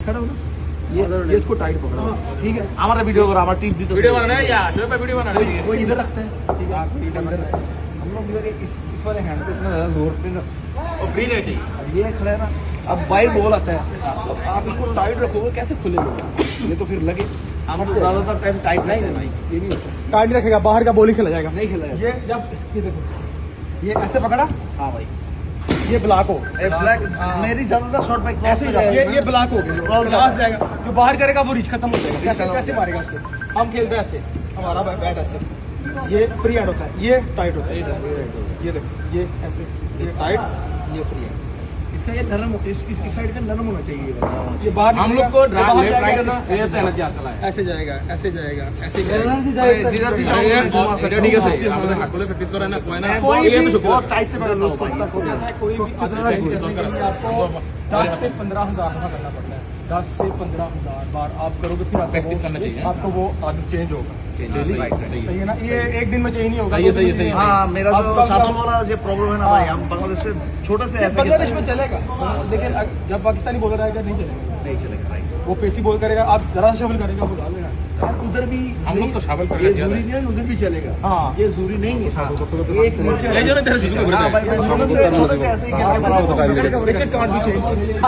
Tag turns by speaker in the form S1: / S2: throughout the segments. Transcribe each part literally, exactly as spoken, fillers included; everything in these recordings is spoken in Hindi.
S1: खड़ा हो ना, ये ये इसको टाइट पकड़ो, ठीक है।
S2: हमारा वीडियो करो, हमारा टिप्स दी तो
S3: वीडियो बनाना है या शो पे वीडियो बनाना है।
S1: वो इधर रखते हैं, ठीक है, इधर रखते हैं। हम लोग इधर इस इस वाले हैंड पे इतना ज़्यादा जोर पे ना,
S3: और फ्री नहीं चाहिए।
S1: अब ये खड़ा है ना, अब बाइट बॉल आता है, अब आप इसको टाइट रखोगे कैसे खुलेगा, ये तो फिर लगे।
S2: हम तो ज़्यादातर टाइम टाइट नहीं
S1: नहीं
S2: भाई।
S1: ये नहीं होता,
S4: टाइट रखेगा, बाहर का बॉल ही खेला जाएगा।
S1: नहीं खेला है।
S4: ये जब ये देखो, ये ऐसे पकड़ा,
S2: हाँ भाई,
S4: ये ब्लॉक हो,
S2: ए ब्लैक मेरी ज़्यादातर शॉट बाइक
S1: ऐसे ही
S4: ये ये ब्लॉक हो गया,
S2: Cross
S4: क्रॉस जाएगा, जो बाहर करेगा वो रीच खत्म हो जाएगा। कैसे
S2: खत्म हो
S4: कैसे मारेगा उसको? हम खेलते हैं ऐसे, हमारा बैट ऐसे, ये फ्री हैंड होता है, ये टाइट होता है, ये देखो, ये ऐसे, ये टाइट, ये फ्री हैंड।
S1: इसका ये नरम इस इस साइड का नरम होना चाहिए ये वाला।
S4: ये बाहर
S3: हम
S4: निकलेगा,
S3: लोग को
S4: ये
S3: ड्राइव
S4: बाहर
S3: लेफ्ट
S4: जाएगा,
S3: राइट
S4: ऐसे-
S3: ना ये तो एनर्जी चला है।
S4: ऐसे जाएगा, ऐसे जाएगा, ऐसे
S3: एनर्जी
S4: जाएगा।
S3: जाएगा
S2: जिधर भी जाओ
S3: ये
S2: मैं घुमा सकता
S3: ठीक है
S2: हूँ।
S3: सही। हम हाथ खोले प्रैक्टिस करो ना, कोई ना
S2: मैं
S4: कोई
S2: बहुत-
S4: भी
S2: बहुत टाइट से पकड़ता हूँ भाई इसको।
S4: कोई भी आदमी
S3: से
S4: करने के
S3: कर
S4: लिए आपको दस से पंद्रह हजार दफा करना पड़ता है। दस से पंद्रह हजार बार आप करोगे, फिर आपको
S3: प्रैक्टिस
S4: वो-
S3: करना चाहिए।
S4: आपको वो आदत चेंज होगा।
S3: हाँ, सही है, सही
S4: सही है ना? ये एक दिन में चेंज नहीं होगा।
S3: सही है,
S4: दो
S3: सही है,
S4: दिन
S3: सही
S4: में
S3: है।
S2: हाँ, मेरा
S4: अब
S2: जो
S4: कब-
S2: साथों वाला जो प्रॉब्लम है ना भाई, हम बांग्लादेश में छोटे से ऐसे
S4: बांग्लादेश में
S2: खेलते हैं।
S4: चलेगा, लेकिन अग- जब पाकिस्तानी बॉलर आएगा नहीं चलेगा।
S2: नहीं चलेगा भाई।
S4: वो पेसी बॉल करेगा, आप जरा शफल करेगा वो डाल देगा।
S1: आप उधर भी
S3: हम लोग तो शाबल कर
S1: ये
S3: लेते हैं।
S1: जरूरी नहीं है, उधर भी चलेगा।
S4: हाँ।
S1: ये जरूरी नहीं है।
S2: हाँ।
S1: ये एक नीचे
S3: ले जाओ ना तेरे शिशु को
S2: हाँ भाई, मैं छोटे से छोटे से ऐसे ही खेलते हैं।
S4: Richard can't be changed.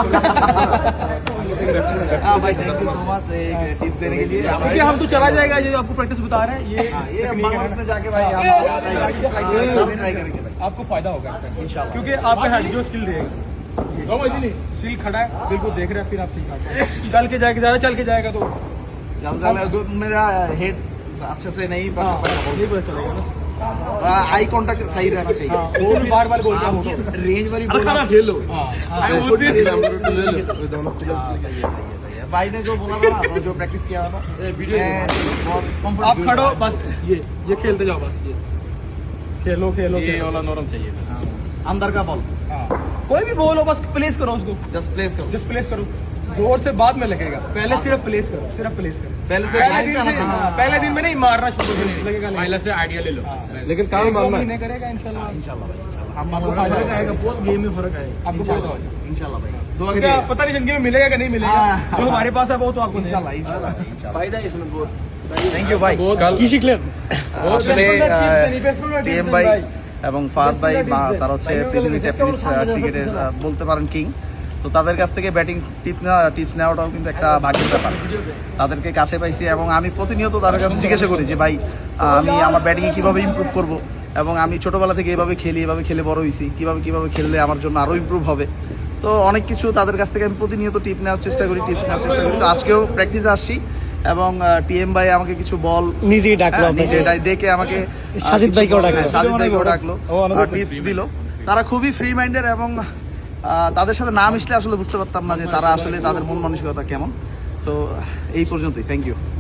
S2: हाँ भाई, थैंक यू सो मच एक टिप्स देने के लिए।
S4: देखिए हम तो चला जाएगा, ये जो आपको प्रैक्टिस बता रहे हैं, ये
S2: हाँ, ये
S4: technique है
S2: बांग्लादेश
S4: ना।
S2: में जाके भाई हम ट्राई करेंगे, ट्राई करेंगे भाई
S4: आपको फायदा होगा इसका
S2: इंशाल्लाह।
S4: क्योंकि आपका हेड जो स्किल रहेगा,
S3: कम ऐसी नहीं।
S4: स्किल खड़ा है, बिल्कुल देख रहे हैं, फिर आप सही काट चल के जाएगा, ज्यादा चल के जाएगा तो
S2: जल्द ज्यादा मेरा हेड अच्छे से नहीं
S4: हाँ,
S2: पकड़
S4: ये पता चलेगा ना।
S2: आई कांटेक्ट सही रहना चाहिए।
S4: हाँ, वो भी बार बार बोलता हूँ।
S1: रेंज वाली बॉल आप खेल लो।
S4: हाँ,
S2: हाँ, वो चीज़- हाँ, सही है, सही है, सही है। भाई ने जो बोला ना, वो जो प्रैक्टिस किया ना,
S1: वीडियो
S2: मैं बहुत
S4: आप
S2: comfortable
S4: खड़ो
S2: हूँ।
S4: बस, ये ये खेलते जाओ बस, ये खेलो खेलो
S3: ये
S4: खेलो।
S3: वाला नरम चाहिए बस।
S2: अंदर का बॉल
S4: हाँ, कोई भी बॉल हो, बस प्लेस करो उसको,
S2: जस्ट प्लेस करो।
S4: जस्ट प्लेस करो, जोर से बाद में लगेगा, पहले सिर्फ प्लेस करो, सिर्फ प्लेस करो।
S2: पहले से
S4: पहले
S2: line
S4: दिन
S2: से आना
S4: से,
S2: चाहिए।
S4: हाँ, पहले दिन में नहीं मारना शुरू से लगेगा नहीं।
S3: पहले से आइडिया ले लो।
S1: लेकिन काम
S4: एक दो
S1: मानना है।
S4: महीने करेगा इंशाल्लाह।
S2: इंशाल्लाह भाई, इंशाल्लाह। हम
S4: आपको
S2: आपको
S4: फायदा
S1: फर्क आएगा, बहुत गेम में फर्क आएगा।
S4: आपको फायदा होगा।
S2: इंशाल्लाह भाई, दुआ
S4: क्या
S2: करिए।
S4: पता नहीं जिंदगी में मिलेगा कि नहीं मिलेगा,
S2: हाँ,
S4: जो हमारे पास है वो तो आपको
S2: इंशाल्लाह, इंशाल्लाह, इंशाल्लाह।
S1: फायदा है इसमें बहुत।
S2: থ্যাংক ইউ ভাই।
S4: কি শিখলেন?
S2: আসলে টিএম ভাই এবং ফাহাদ ভাই বা- তারা হচ্ছে পৃথিবীর টেনিস ক্রিকেটের বলতে পারেন কিং। তো তাদের কাছ থেকে ব্যাটিং টিপ টিপস নেওয়াটাও কিন্তু একটা ভাগ্যের ব্যাপার। তাদেরকে কাছে পাইছি এবং আমি প্রতিনিয়ত তাদের কাছে জিজ্ঞাসা করি যে ভাই আমি আমার ব্যাটিংয়ে কীভাবে ইমপ্রুভ করব, এবং আমি ছোটোবেলা থেকে এভাবে খেলি, এভাবে খেলে বড় হয়েছি, কীভাবে কীভাবে খেললে আমার জন্য আরও ইমপ্রুভ হবে। তো অনেক কিছু তাদের কাছ থেকে আমি প্রতিনিয়ত টিপ নেওয়ার চেষ্টা করি, টিপস নেওয়ার চেষ্টা করি। তো আজকেও প্র্যাকটিসে আসছি এবং টিএম ভাই আমাকে কিছু বল
S4: নিজেই ডাকলো
S2: হ্যাঁ, নিজে ডাক- ডেকে আমাকে আহ,
S4: সাজিদ
S2: কিছু
S4: ভাইকেও
S2: বল-
S4: ডাকলো।
S2: হ্যাঁ, সাজিদ ভাইকেও ডাকলো,
S4: ও, অনেক
S2: টিপস দিল। তারা খুবই ফ্রি মাইন্ডের এবং আহ, তাদের সাথে না মিশলে আসলে বুঝতে পারতাম না যে তারা আসলে তাদের মন মানসিকতা কেমন। সো এই পর্যন্তই, থ্যাংক ইউ।